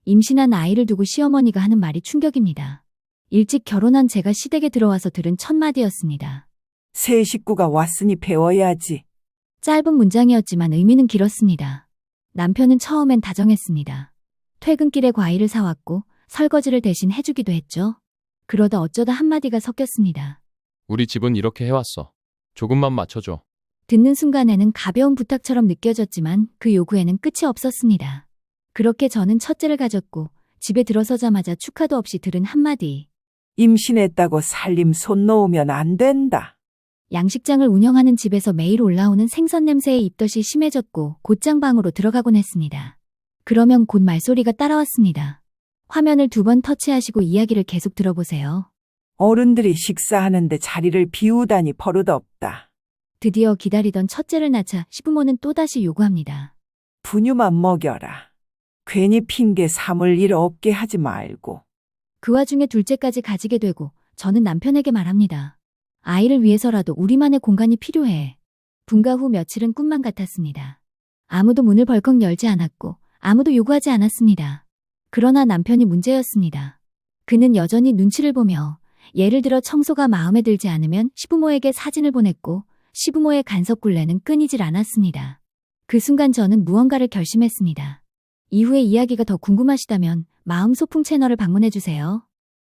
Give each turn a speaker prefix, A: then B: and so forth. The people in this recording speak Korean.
A: 임신한 아이를 두고 시어머니가 하는 말이 충격입니다. 일찍 결혼한 제가 시댁에 들어와서 들은 첫 마디였습니다.
B: 새 식구가 왔으니 배워야지.
A: 짧은 문장이었지만 의미는 길었습니다. 남편은 처음엔 다정했습니다. 퇴근길에 과일을 사왔고 설거지를 대신 해주기도 했죠. 그러다 어쩌다 한마디가 섞였습니다.
C: 우리 집은 이렇게 해왔어. 조금만 맞춰줘.
A: 듣는 순간에는 가벼운 부탁처럼 느껴졌지만 그 요구에는 끝이 없었습니다. 그렇게 저는 첫째를 가졌고 집에 들어서자마자 축하도 없이 들은 한마디.
B: 임신했다고 살림 손 놓으면 안 된다.
A: 양식장을 운영하는 집에서 매일 올라오는 생선 냄새에 입덧이 심해졌고 곧장 방으로 들어가곤 했습니다. 그러면 곧 말소리가 따라왔습니다. 화면을 2번 터치하시고 이야기를 계속 들어보세요.
B: 어른들이 식사하는데 자리를 비우다니 버릇없다.
A: 드디어 기다리던 첫째를 낳자 시부모는 또다시 요구합니다.
B: 분유만 먹여라. 괜히 핑계 삼을 일 없게 하지 말고.
A: 그 와중에 둘째까지 가지게 되고 저는 남편에게 말합니다. 아이를 위해서라도 우리만의 공간이 필요해. 분가 후 며칠은 꿈만 같았습니다. 아무도 문을 벌컥 열지 않았고 아무도 요구하지 않았습니다. 그러나 남편이 문제였습니다. 그는 여전히 눈치를 보며 예를 들어 청소가 마음에 들지 않으면 시부모에게 사진을 보냈고 시부모의 간섭굴레는 끊이질 않았습니다. 그 순간 저는 무언가를 결심했습니다. 이후의 이야기가 더 궁금하시다면 마음소풍 채널을 방문해주세요.